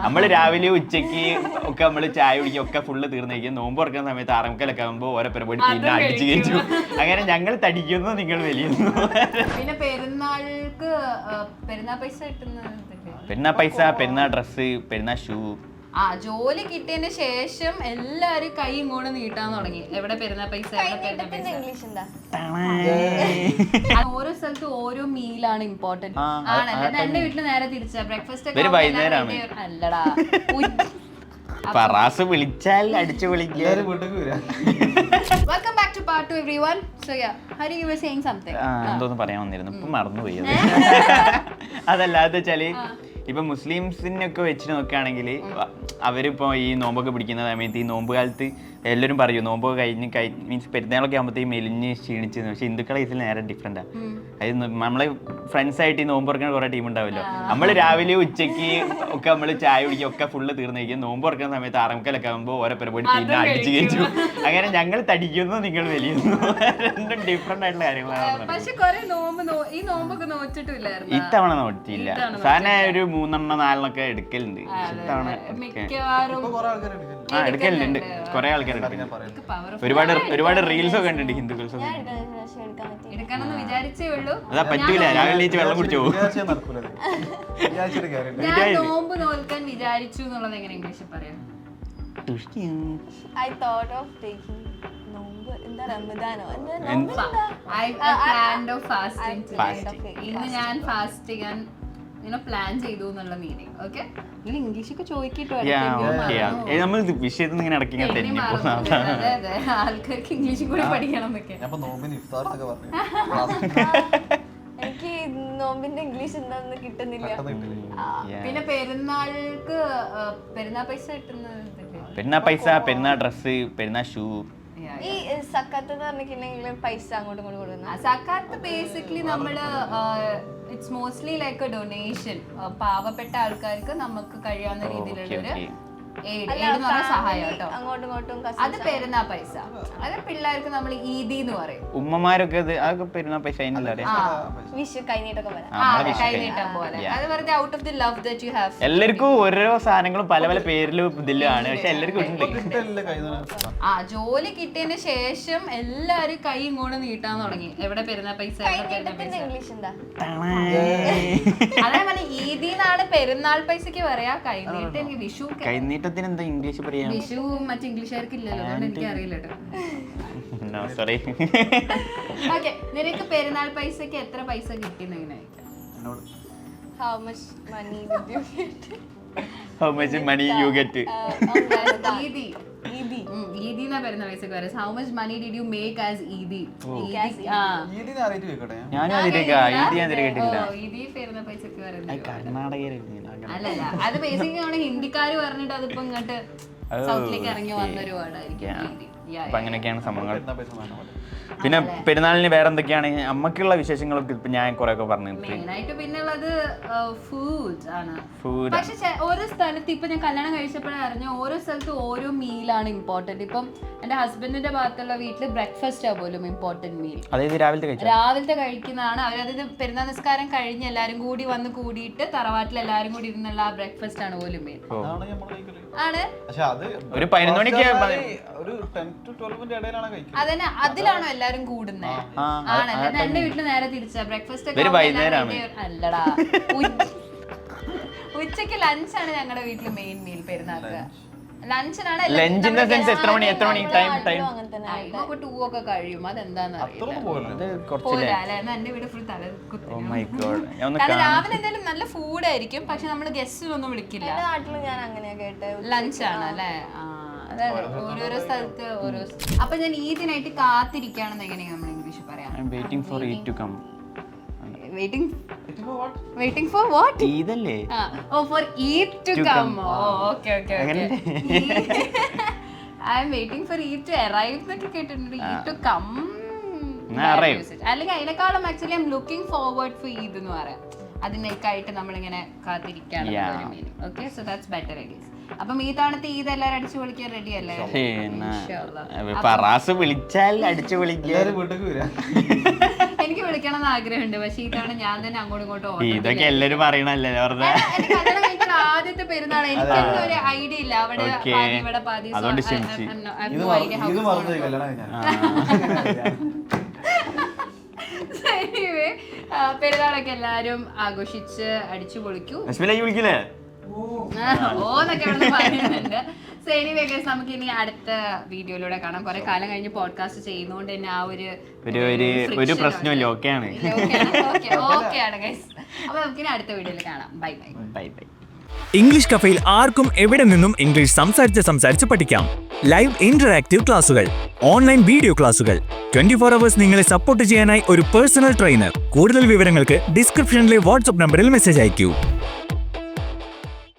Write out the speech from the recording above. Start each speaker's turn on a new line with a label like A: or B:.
A: നമ്മള് രാവിലെ ഉച്ചക്ക് ഒക്കെ നമ്മള് ചായ കുടിക്കും ഒക്കെ ഫുള്ള് തീർന്നിരിക്കും. നോമ്പ് തുറക്കുന്ന സമയത്ത് ആറമുക്കലൊക്കെ ആകുമ്പോൾ ഓരോ പരിപാടി പിന്നെ അടിച്ചു കയറ്റും. അങ്ങനെ ഞങ്ങൾ തടിക്കുന്നു, നിങ്ങൾ വലിയുന്നു.
B: പിന്നെ പെരുന്നാൾക്ക് പെരുന്നാൾ പൈസ കിട്ടുന്നത്,
A: പെരുന്നാൾ പൈസ, പെരുന്നാൾ ഡ്രസ്സ്, പെരുന്നാൾ ഷൂ.
B: ജോലി കിട്ടിയതിന് ശേഷം എല്ലാരും കൈ ഇങ്ങോട്ട് നീട്ടാൻ തുടങ്ങി. എവിടെ പെരുന്നാൾ പൈസ, ഓരോ സ്ഥലത്ത് ഓരോ മീലാണ് ഇമ്പോർട്ടന്റ് ആണല്ലേ. എന്റെ വീട്ടില് നേരെ തിരിച്ചാ. ബ്രേക്ക്ഫാസ്റ്റ് അല്ലടാ,
A: പറാസ് വിളിച്ചാൽ അടിച്ചു വിളിക്കാൻ.
B: Welcome back to part 2 everyone. So yeah, Hari, you were saying something.
A: എന്തോന്ന് പറയാൻ വന്നിരുന്നു, ഇപ്പൊ മറന്നുപോയി. അതല്ല, അത് വെച്ചാല് ഇപ്പൊ മുസ്ലിംസിനൊക്കെ വെച്ച് നോക്കുകയാണെങ്കിൽ അവരിപ്പോ ഈ നോമ്പൊക്കെ പിടിക്കുന്ന സമയത്ത് ഈ നോമ്പ് കാലത്ത് എല്ലാവരും പറയും നോമ്പൊക്കെ കഴിഞ്ഞ് മീൻസ് പെരുന്നാളൊക്കെ ആകുമ്പോഴത്തേക്ക് മെലിഞ്ഞ് ക്ഷീണിച്ച്. പക്ഷെ ഹിന്ദുക്കളെ ഇതിൽ നേരെ ഡിഫറെന്റാ. അത് നമ്മളെ ഫ്രണ്ട്സ് ആയിട്ട് ഈ നോമ്പ് തുറക്കുന്ന കുറെ ടീം ഉണ്ടാവല്ലോ. നമ്മള് രാവിലെ ഉച്ചക്ക് ഒക്കെ നമ്മള് ചായ കുടിക്കും ഒക്കെ ഫുള്ള് തീർന്നിരിക്കും. നോമ്പ് തുറക്കുന്ന സമയത്ത് ആറമുക്കലൊക്കെ ആകുമ്പോൾ ഓരോ പരിപാടി പിന്നെ അടിച്ചു കയറ്റും. അങ്ങനെ ഞങ്ങൾ തടിക്കുന്നു, നിങ്ങൾ വലിയുന്നു. രണ്ടും ഡിഫറെന്റ് ആയിട്ടുള്ള കാര്യങ്ങളാണ്. ഇത്തവണ നോറ്റിയില്ല. സാധാരണ ഒരു 3-4 എടുക്കലുണ്ട്. ഇത്തവണ എടുക്കലുണ്ട്. കുറെ ആൾക്കാർ ഒരുപാട് റീൽസ് ഒക്കെ ഉണ്ട് ഹിന്ദുക്കൾസ്. അതാ പറ്റൂല, രാവിലെ നീച്ച് വെള്ളം കുടിച്ചു പോകും.
B: നോമ്പ് നോൽക്കാൻ വിചാരിച്ചു എന്നുള്ളത് എങ്ങനെ ഇംഗ്ലീഷിൽ പറയാം?
C: I thought of taking Ramadano.
B: I planned of fasting today. ഇന്ന് ഞാൻ ഫാസ്റ്റ് ചെയ്യാൻ പ്ലാൻ ചെയ്തു എന്നുള്ള മീനിങ്. ഓക്കെ, നിങ്ങൾ ഇംഗ്ലീഷ് ഒക്കെ ചോദിക്കിട്ടോ.
A: നമ്മൾ വിഷയത്തിൽ ഇങ്ങനെ ഇടയ്ക്ക്
B: ആൾക്കാർക്ക് ഇംഗ്ലീഷും കൂടി പഠിക്കണം എന്നൊക്കെ.
C: എനിക്ക് നോമ്പിന്റെ ഇംഗ്ലീഷ് എന്താന്ന് കിട്ടുന്നില്ല.
B: പിന്നെ പെരുന്നാൾക്ക് പെരുന്നാൾ പൈസ കിട്ടുന്നത്,
A: പെരുന്നാൾ പൈസ, പെരുന്നാൾ ഡ്രസ്സ്, പെരുന്നാൾ ഷൂ.
C: ഈ സക്കാത്ത് എന്ന് പറഞ്ഞിട്ടുണ്ടെങ്കിൽ പൈസ അങ്ങോട്ടും ഇങ്ങോട്ടും കൊടുക്കുന്നു.
B: സക്കാത്ത് ബേസിക്കലി നമ്മള് it's mostly like a donation. പാവപ്പെട്ട ആൾക്കാർക്ക് നമുക്ക് കഴിയാവുന്ന രീതിയിലുള്ളൊരു സഹായം കേട്ടോ.
C: അങ്ങോട്ടും ഇങ്ങോട്ടും
B: അത് പെരുന്നാൾ പൈസ. അത് പിള്ളേർക്ക് നമ്മൾ ഈദി എന്ന് പറയും.
A: ഉമ്മമാരൊക്കെ അതൊക്കെ പെരുന്നാൾ പൈസ
C: വിഷു കൈനീട്ടൊക്കെ വരാം.
B: കൈനീട്ടം പോലെ. അത് വെറുതെ out of the love that you have.
A: എല്ലാവർക്കും ഓരോ സാധനങ്ങളും പല പല പേരിലും ഇതിലാണ്. പക്ഷെ എല്ലാവർക്കും
B: ജോലി കിട്ടിയതിന് ശേഷം എല്ലാരും കൈ ഇങ്ങോട്ട് നീട്ടാൻ തുടങ്ങി. എവിടെ പെരുന്നാൾ പൈസ,
C: ഇംഗ്ലീഷ് എന്താ?
B: അതേ പോലെ ഈദിന്നാണ് പെരുന്നാൾ പൈസക്ക് പറയാ. കൈനീട്ടം എനിക്ക് വിഷു.
A: കൈനീട്ടത്തിന് എന്താ ഇംഗ്ലീഷ് പറയാ?
B: വിഷു മറ്റു ഇംഗ്ലീഷുകാർക്ക് ഇല്ലല്ലോ, അതുകൊണ്ട് എനിക്ക് അറിയില്ല. ഓക്കെ, നിനക്ക് പെരുന്നാൾ പൈസക്ക് എത്ര പൈസ കിട്ടിയെന്ന് എങ്ങനെ?
C: How much money did you get?
A: How much money you get?
B: ഈദി എന്നാ പെരുന്നാൾ പൈസക്ക് പറയാം. How much money did you make as ഈദി?
A: ഞാനും അതിലേക്ക് കേട്ടില്ല.
B: ഈദി പെരുന്നാൾ പൈസക്ക് പറയുന്നത്
A: കർണാടകയിലാണ്.
B: അല്ലല്ല, അത് ബേസിക്കലി ആണ് ഹിന്ദിക്കാര് പറഞ്ഞിട്ട് അതിപ്പോ ഇങ്ങോട്ട് സൗത്തിലേക്ക് ഇറങ്ങി വന്നൊരു വേർഡായിരിക്കും.
A: അപ്പൊ അങ്ങനെയൊക്കെയാണ് സംഭവങ്ങൾ. പിന്നെ പെരുന്നാളിന് വേറെ എന്തൊക്കെയാണ് അമ്മക്കുള്ള വിശേഷങ്ങളൊക്കെ ഇപ്പൊ ഞാൻ കുറെ ഒക്കെ പറഞ്ഞു.
B: മെയിനായിട്ട് പിന്നുള്ളത് ഫുഡ് ആണ്. പക്ഷെ ഓരോ സ്ഥലത്ത് ഇപ്പൊ ഞാൻ കല്യാണം കഴിച്ചപ്പോഴേ അറിഞ്ഞു, ഓരോ സ്ഥലത്ത് ഓരോ മീലാണ് ഇമ്പോർട്ടന്റ്. ഇപ്പം എന്റെ ഹസ്ബൻഡിന്റെ ഭാഗത്തുള്ള വീട്ടില് ബ്രേക്ക്ഫാസ്റ്റ് ആ പോലും ഇമ്പോർട്ടന്റ് മീൽ.
A: അതായത്
B: രാവിലത്തെ കഴിക്കുന്നതാണ് അവർ. അതായത് പെരുന്നാൾ നിസ്കാരം കഴിഞ്ഞ് എല്ലാരും കൂടി വന്ന് കൂടിയിട്ട് തറവാട്ടിൽ എല്ലാരും കൂടി ഇരുന്നുള്ള ആ ബ്രേക്ക്ഫാസ്റ്റ് ആണ് പോലും മീൽ ആണ്.
A: ഒരു 11 മണിക്ക്
B: അതന്നെ, അതിലാണോ എല്ലാരും കൂടുന്നത്? ആണല്ലേ. എന്റെ വീട്ടില് നേരെ തിരിച്ചാ. ബ്രേക്ക്ഫാസ്റ്റ് ഒക്കെ അല്ലടാ, ഉച്ചക്ക് ലഞ്ചാണ് ഞങ്ങളുടെ വീട്ടില് മെയിൻ മീൽ. പെരുന്നാൾക്ക് ലഞ്ചിനാണ്. 2 ഒക്കെ കഴിയും. അതെന്താന്ന് അറിയില്ല. എന്റെ വീട് ഫുൾ തല കുത്തും. കാരണം രാവിലെ എന്തായാലും നല്ല ഫുഡ് ആയിരിക്കും, പക്ഷെ നമ്മള് ഗസ്റ്റിനൊന്നും വിളിക്കില്ല.
C: നാട്ടില് ഞാൻ അങ്ങനെയാ കേട്ടെ,
B: ലഞ്ചാണ് അല്ലേ. ഓരോരോ സ്ഥലത്ത് ഓരോ. അപ്പൊ ഞാൻ ഈദിനായിട്ട് കാത്തിരിക്കുകയാണെന്ന് എങ്ങനെയാ നമ്മൾ ഇംഗ്ലീഷ് പറയാം?
A: waiting for Eid to come.
B: Waiting for what?
A: Eid അല്ലേ?
B: For Eid to come. Okay. I am waiting for Eid to arrive എന്നൊക്കെ കേട്ടിട്ടുണ്ട്. Eid to come അല്ലെങ്കിൽ അതിനേക്കാളും actually I am looking forward for Eid എന്ന് പറയാം. അതിനേക്കായിട്ട് നമ്മളിങ്ങനെ കാത്തിരിക്കുകയാണ്. Okay, so that's better I guess. അപ്പം ഈ തവണത്തെ ഈദ് എല്ലാവരും അടിച്ചു പൊളിക്കാൻ റെഡി അല്ലേ?
A: പറാസ് വിളിച്ചാൽ അടിച്ചു വിളിക്കാൻ.
B: എനിക്ക് വിളിക്കണം എന്ന് ആഗ്രഹമുണ്ട്, പക്ഷെ ഈ തവണ ഞാൻ തന്നെ അങ്ങോട്ടും ഇങ്ങോട്ടും.
A: ഇതൊക്കെ എല്ലാരും പറയണല്ലേ.
B: കല്യാണം കഴിക്കുന്ന ആദ്യത്തെ പെരുന്നാൾ എനിക്കൊന്നും ഒരു ഐഡിയ ഇല്ല അവിടെ
A: Okay.
B: പാതി ഇവിടെ പാതി So,
A: അതുകൊണ്ട്
B: I
A: ക്ഷമിച്ച്.
B: have no idea how it's So anyway, പെരുന്നാളൊക്കെ എല്ലാരും ആഘോഷിച്ച് അടിച്ചു പൊളിക്കൂ
A: അശ്വിനെ വിളിക്കില്ലേ
B: ഓന്നൊക്കെ ഇവിടെ പറയുന്നുണ്ട്. സോ എനിവേ ഗൈസ് നമുക്ക് ഇനി അടുത്ത വീഡിയോയിലൂടെ കാണാം. കുറെ കാലം കഴിഞ്ഞ് പോഡ്കാസ്റ്റ് ചെയ്യുന്നതുകൊണ്ട് തന്നെ ആ
A: ഒരു പ്രശ്നമില്ല. ഓക്കെയാണ്
B: ഓക്കെയാണ് ഗൈസ്. അപ്പൊ നമുക്കിനി അടുത്ത വീഡിയോയിൽ കാണാം. Bye bye.
A: Bye bye.
D: English കഫേയിൽ ആർക്കും എവിടെ നിന്നും ഇംഗ്ലീഷ് സംസാരിച്ച് പഠിക്കാം. ലൈവ് ഇന്ററാക്റ്റീവ് ക്ലാസുകൾ, ഓൺലൈൻ വീഡിയോ ക്ലാസുകൾ, 24 hours നിങ്ങളെ സപ്പോർട്ട് ചെയ്യാനായി ഒരു പേഴ്സണൽ ട്രെയിനർ. കൂടുതൽ വിവരങ്ങൾക്ക് ഡിസ്ക്രിപ്ഷനിലെ വാട്സ്ആപ്പ് നമ്പറിൽ മെസ്സേജ് അയക്കൂ.